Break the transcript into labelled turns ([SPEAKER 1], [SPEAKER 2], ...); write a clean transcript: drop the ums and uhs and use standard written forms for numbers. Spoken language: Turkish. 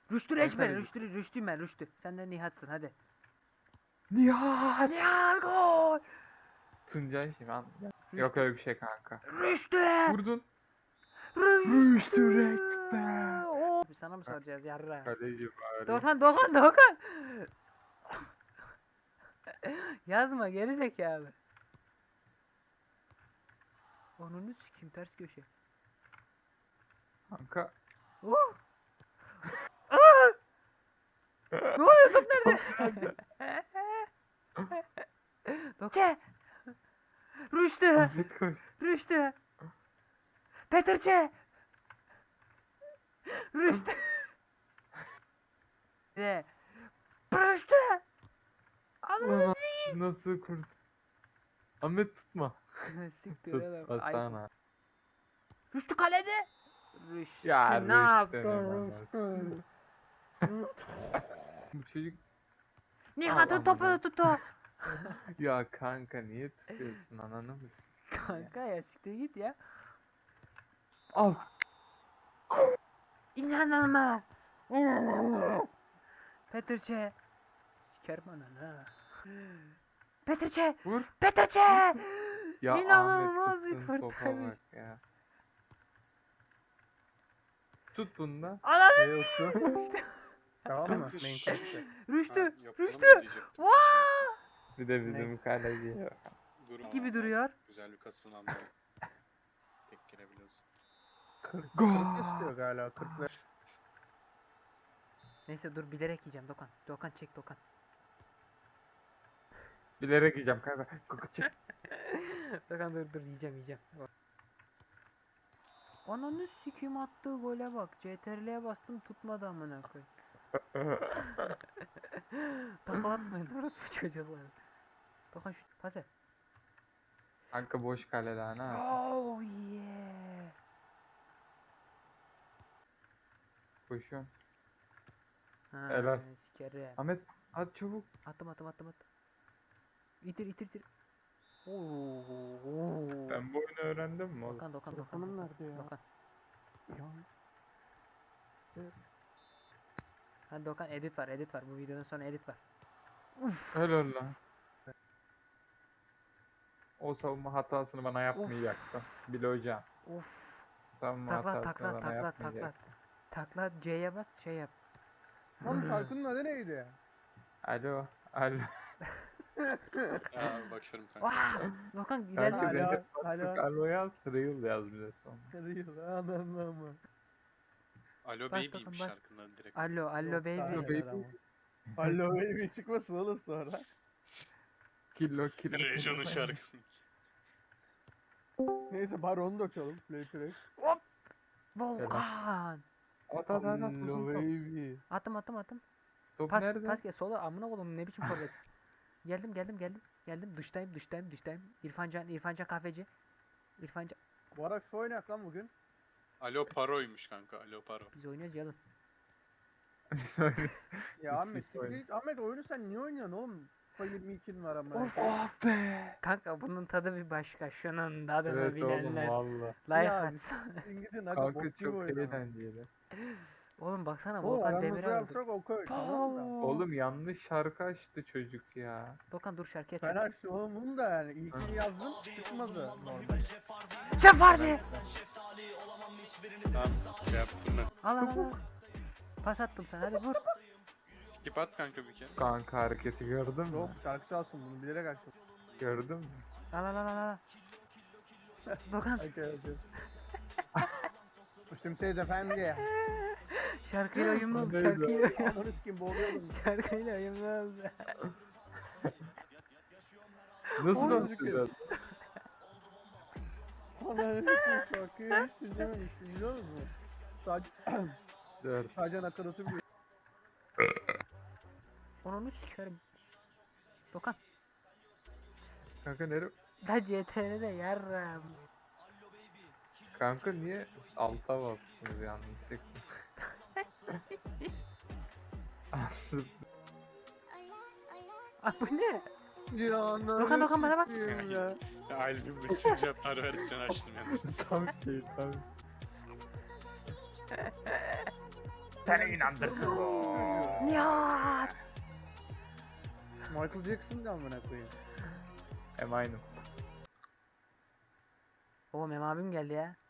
[SPEAKER 1] Rüştü reç
[SPEAKER 2] Ankara
[SPEAKER 1] ben.
[SPEAKER 2] gücü.
[SPEAKER 1] Rüştüyüm ben. Rüştü. Sen de Nihat'sın hadi.
[SPEAKER 2] Nihat.
[SPEAKER 1] Nihat gol.
[SPEAKER 2] Tuncay şimdi yok öyle bir şey kanka.
[SPEAKER 1] Rüştü.
[SPEAKER 2] Vurdun.
[SPEAKER 1] Rüştü.
[SPEAKER 2] Rüştü Rekber.
[SPEAKER 1] Oo. Sana mı soracağız yarra?
[SPEAKER 2] Kaleci bari.
[SPEAKER 1] Doğukan. Yazma geri zekalı. Onunu sikeyim ters köşe.
[SPEAKER 2] Kanka.
[SPEAKER 1] Oh. Aa! Ne oluyor top nerede? Dokçe. Rüştü.
[SPEAKER 2] Ahmet koş.
[SPEAKER 1] Rüştü. Petrçe. Rüştü. Ve Rüştü.
[SPEAKER 2] Ulan nasıl kurt? Ahmet tutma.
[SPEAKER 1] Siktir oğlum.
[SPEAKER 2] Tutmasana.
[SPEAKER 1] Rüştü kalede. Rüştü
[SPEAKER 2] Ya
[SPEAKER 1] ne
[SPEAKER 2] Rüştü'nün
[SPEAKER 1] yaptın?
[SPEAKER 2] anasını. Bu çocuk
[SPEAKER 1] Nihat'ın
[SPEAKER 2] Allah'ım
[SPEAKER 1] topunu
[SPEAKER 2] ya.
[SPEAKER 1] tuttu.
[SPEAKER 2] ya kanka niye tutuyorsun ananı mısın?
[SPEAKER 1] Kanka ya siktir git ya.
[SPEAKER 2] Al.
[SPEAKER 1] İnanılmaz. İnanılmaz. Petrçe. Sikerim ananı. Petrçe.
[SPEAKER 2] Vur.
[SPEAKER 1] Petrçe.
[SPEAKER 2] Ya
[SPEAKER 1] İnanılmaz
[SPEAKER 2] Ahmet
[SPEAKER 1] bir
[SPEAKER 2] tuttun topa
[SPEAKER 1] kurtarış.
[SPEAKER 2] bak ya. Tut bunu da.
[SPEAKER 1] Ananı.
[SPEAKER 3] Ne yoktu? Tamam mı? Main course.
[SPEAKER 1] Rüştü.
[SPEAKER 4] Yapalım
[SPEAKER 1] Rüştü.
[SPEAKER 4] mı diyecektim.
[SPEAKER 1] Vaa!
[SPEAKER 2] Bir de bizim kaleci yok.
[SPEAKER 4] Durma
[SPEAKER 1] Gibi
[SPEAKER 4] lazım.
[SPEAKER 1] duruyor.
[SPEAKER 4] Güzel bir kasınan da tek girebiliyorsun.
[SPEAKER 3] 40
[SPEAKER 2] Gol.
[SPEAKER 3] istiyor galiba. 40 ve
[SPEAKER 1] Neyse dur bilerek yiyeceğim Dokan. Dokan çek Dokan.
[SPEAKER 2] Bilerek yiyeceğim kanka. Kanka çık.
[SPEAKER 1] Dokan dur yiyeceğim. Ananı sikeyim attığı gole bak. CTRL'ye bastım tutmadı amına koyayım. Taklatmayın orospu çocuklar. Dokan şu pas ver.
[SPEAKER 2] Kanka boş kale daha ne yap?
[SPEAKER 1] Oh yeah.
[SPEAKER 2] Koşuyorum.
[SPEAKER 1] Ha,
[SPEAKER 2] Helal.
[SPEAKER 1] sikerim.
[SPEAKER 2] Ahmet hadi çabuk.
[SPEAKER 1] Attım. İtir. Oo.
[SPEAKER 2] Ben bu oyunu öğrendim mi oğlum?
[SPEAKER 1] Dokan.
[SPEAKER 3] Telefonum nerede ya?
[SPEAKER 1] Dokan.
[SPEAKER 3] Ya.
[SPEAKER 1] Hadi Dokan edit var. Bu videonun sonra edit var.
[SPEAKER 2] Helal lan. O savunma hatasını bana yapmayacaktın. Bil hocam.
[SPEAKER 1] Of.
[SPEAKER 2] Savunma hatasını bana yapmayacaktın.
[SPEAKER 1] Takla C'ye bas şey yap.
[SPEAKER 3] Oğlum şarkının adı neydi?
[SPEAKER 2] Alo.
[SPEAKER 4] Ya bakıyorum kanka.
[SPEAKER 1] Vaa! Dokan
[SPEAKER 2] Kanka
[SPEAKER 1] ilerle.
[SPEAKER 3] Alo,
[SPEAKER 2] Zeynep
[SPEAKER 3] alo.
[SPEAKER 2] bastık. Alo yaz. Real yaz bir de son.
[SPEAKER 3] Real anam.
[SPEAKER 4] Alo
[SPEAKER 1] Bas
[SPEAKER 4] Baby'ymiş
[SPEAKER 1] bakalım, bas.
[SPEAKER 4] şarkının adı direkt.
[SPEAKER 1] Alo baby.
[SPEAKER 2] Alo baby.
[SPEAKER 3] Alo baby çıkmasın oğlum sonra.
[SPEAKER 2] Kilo.
[SPEAKER 4] Rejon'un şarkısı.
[SPEAKER 3] Neyse bari onu da açalım. Play track.
[SPEAKER 1] Volkan.
[SPEAKER 2] At
[SPEAKER 3] Alo
[SPEAKER 2] uzun top.
[SPEAKER 3] baby.
[SPEAKER 1] Attım.
[SPEAKER 2] Top
[SPEAKER 1] Pas
[SPEAKER 2] nerede?
[SPEAKER 1] gel sola amına oğlum ne biçim forvet. Geldim dıştayım. İrfancan kahveci. İrfancan
[SPEAKER 3] Barak su oynayak lan bugün.
[SPEAKER 4] Alo Paro'ymuş kanka. Alo Paro.
[SPEAKER 1] biz oynuyoruz yalın.
[SPEAKER 2] Sorry.
[SPEAKER 3] Ya
[SPEAKER 2] Biz
[SPEAKER 3] Ahmet
[SPEAKER 2] FIFA oynuyoruz.
[SPEAKER 3] Ahmet oyunu sen niye oynuyorsun oğlum? FIFA 22'nin var ama.
[SPEAKER 2] Oh be.
[SPEAKER 1] Kanka bunun tadı bir başka. Şunun tadını
[SPEAKER 2] Evet oğlum
[SPEAKER 1] bilenler.
[SPEAKER 2] valla.
[SPEAKER 1] Like
[SPEAKER 3] Ya,
[SPEAKER 1] atsın.
[SPEAKER 3] İngilizce
[SPEAKER 2] Kanka
[SPEAKER 3] bok gibi
[SPEAKER 2] çok
[SPEAKER 3] oyun ama.
[SPEAKER 2] eğlenceli.
[SPEAKER 1] Oğlum baksana
[SPEAKER 3] O
[SPEAKER 1] Volkan
[SPEAKER 3] aramızda
[SPEAKER 1] Demirel oldu.
[SPEAKER 3] yapsak okey tamam mı?
[SPEAKER 2] Oğlum yanlış şarkı açtı çocuk ya.
[SPEAKER 1] Dokan dur şarkıya
[SPEAKER 3] Ben
[SPEAKER 1] çek.
[SPEAKER 3] açtım oğlum bunu da yani. İlkini yazdım çıkmadı normal.
[SPEAKER 1] Şef vardı.
[SPEAKER 4] Tamam şey yaptım ben.
[SPEAKER 1] Al. Pas attım sana hadi vur.
[SPEAKER 4] Skip at kanka bir kere.
[SPEAKER 2] Kanka hareketi gördün mü?
[SPEAKER 3] Yok şarkı çalsın bunu bilerek açtım.
[SPEAKER 2] Gördün mü?
[SPEAKER 1] Al. Dokan
[SPEAKER 3] Okey. Müslüm Seyit Efendi.
[SPEAKER 1] şarkıyla uyumlu oldu.
[SPEAKER 2] Neydi?
[SPEAKER 3] Ananı sikeyim boğuluyordum.
[SPEAKER 1] Şarkıyla uyumlu oldu.
[SPEAKER 2] Nasıl
[SPEAKER 3] Oğlum,
[SPEAKER 2] atacağız?
[SPEAKER 3] Ananı sikeyim şarkıyı hiç dinlememişsin biliyor musun?
[SPEAKER 2] Dur.
[SPEAKER 3] Sadece nakaratı biliyor.
[SPEAKER 1] Onu sikerim. Dokan.
[SPEAKER 2] Kanka nere?
[SPEAKER 1] Da CTR'de yarram.
[SPEAKER 2] Kanka niye alta bastınız yanlışlıkla? Aslında
[SPEAKER 1] Ah bu ne?
[SPEAKER 3] Ya ananı
[SPEAKER 1] Dokan, bana bak.
[SPEAKER 3] sikeyim ya.
[SPEAKER 4] Albüm Messenger versiyonu açtım yanlış.
[SPEAKER 2] tam şey tam. Seni inandırsın bu.
[SPEAKER 1] Nihat.
[SPEAKER 3] Michael Jackson da amına koyayım.
[SPEAKER 2] Hem aynı.
[SPEAKER 1] Oğlum Mem abim geldi ya.